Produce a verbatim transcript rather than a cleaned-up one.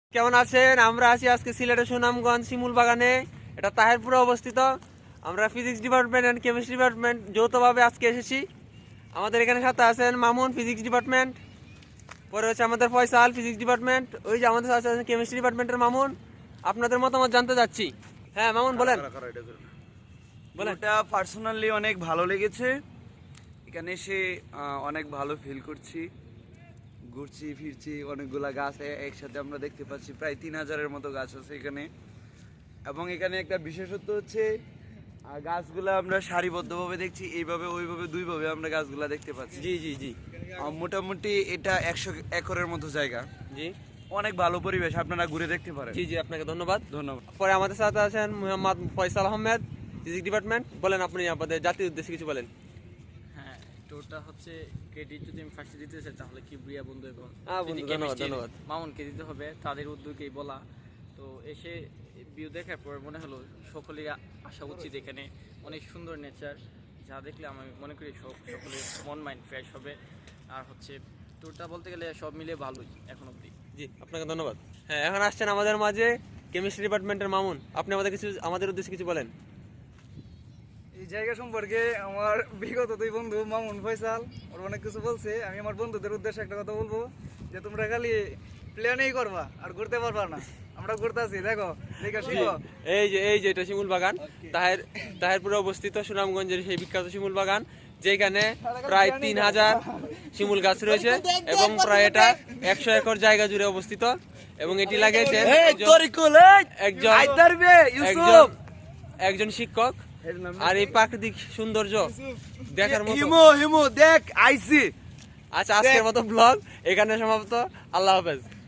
কেমন আছেন? আমরা আছি আজকে সিলেটের সুনামগঞ্জ শিমুল বাগানে, এটা তাহেরপুরে অবস্থিত। আমরা physics department and chemistry department যৌথভাবে আজকে এসেছি। আমাদের এখানে সাথে আছেন মামুন, ফিজিক্স ডিপার্টমেন্ট। পরে হচ্ছে আমাদের ফয়সাল, ফিজিক্স ডিপার্টমেন্ট। ওই যে আমাদের সাথে আছেন কেমিস্ট্রি ডিপার্টমেন্টের মামুন। আপনাদের মতামত জানতে চাচ্ছি। হ্যাঁ মামুন বলেন। বলেন। এটা পার্সোনালি অনেক ভালো লেগেছে, এখানে এসে আহ, অনেক ভালো ফিল করছি। ঘুরছি ফিরছি, অনেকগুলা গাছ এ- একসাথে আমরা দেখতে পাচ্ছি, প্রায় তিন হাজারের মতো গাছ আছে এখানে। এবং এখানে একটা বিশেষত্ব হচ্ছে আহ, গাছগুলা আমরা সারিবদ্ধভাবে দেখছি, এইভাবে ওইভাবে দুইভাবে আমরা গাছগুলা দেখতে পাচ্ছি। জি জি জি আহ, মোটামুটি এটা একশো একরের মতো জায়গা, জি অনেক ভালো পরিবেশ, আপনারা ঘুরে দেখতে পারেন। জি জি আপনাকে ধন্যবাদ। ধন্যবাদ। পরে আমাদের সাথে আছেন মোহাম্মদ ফয়সাল আহমেদ, ফিজিক্স ডিপার্টমেন্ট। বলেন আপনি আমাদের জাতির উদ্দেশ্যে কিছু বলেন। হ্যাঁ, টোটা হচ্ছে ক্রেডিট যদি আমি ফার্স্টে দিতে চাই তাহলে কিবরিয়া বন্ধু এবং হ্যাঁ বন্ধু, যদি ধন্যবাদ, chemistry ধন্যবাদ। মামুনকে দিতে হবে, তাদের উদ্যোগেই বলা। তো এসে ভিউ দেখার পর মনে হলো সকলের আসা উচিত, এখানে অনেক সুন্দর নেচার, যা দেখলে আমি মনে করি সব সকলের মন মাইন্ড ফ্রেশ হবে। আর হচ্ছে ট্যুরটা বলতে গেলে সব মিলে ভালোই এখন অবধি। জি আপনাকে ধন্যবাদ। হ্যাঁ এখন আসছেন আমাদের মাঝে কেমিস্ট্রি ডিপার্টমেন্টের মামুন। আপনি আমাদের কিছু আমাদের উদ্দেশ্যে কিছু বলেন। এই জায়গা সম্পর্কে আমার বিগত দুই বন্ধু মামুন, ফয়সাল ওরা অনেক কিছু বলছে। আমি আমার বন্ধুদের উদ্দেশ্যে একটা কথা বলবো, যে তোমরা খালি প্ল্যানেই করবা আর ঘুরতে পারবা না। আমরা ঘুরতে আছি, দেখো দেখো শিখো। এই যে এই যে এটা শিমুল বাগান, তাহের তাহেরপুরে অবস্থিত সুনামগঞ্জের সেই বিখ্যাত শিমুল বাগান, যেখানে প্রায় তিন হাজার শিমুল গাছ রয়েছে এবং প্রায় এটা একশো একর জায়গা জুড়ে অবস্থিত। এবং এটি লাগে যে একজন একজন একজন শিক্ষক। আর এই প্রাকৃতিক সৌন্দর্য দেখার মতো। হিমো হিমো দেখ আইসি। আচ্ছা আজকের মতো ব্লগ এখানে সমাপ্ত। আল্লাহ হাফেজ।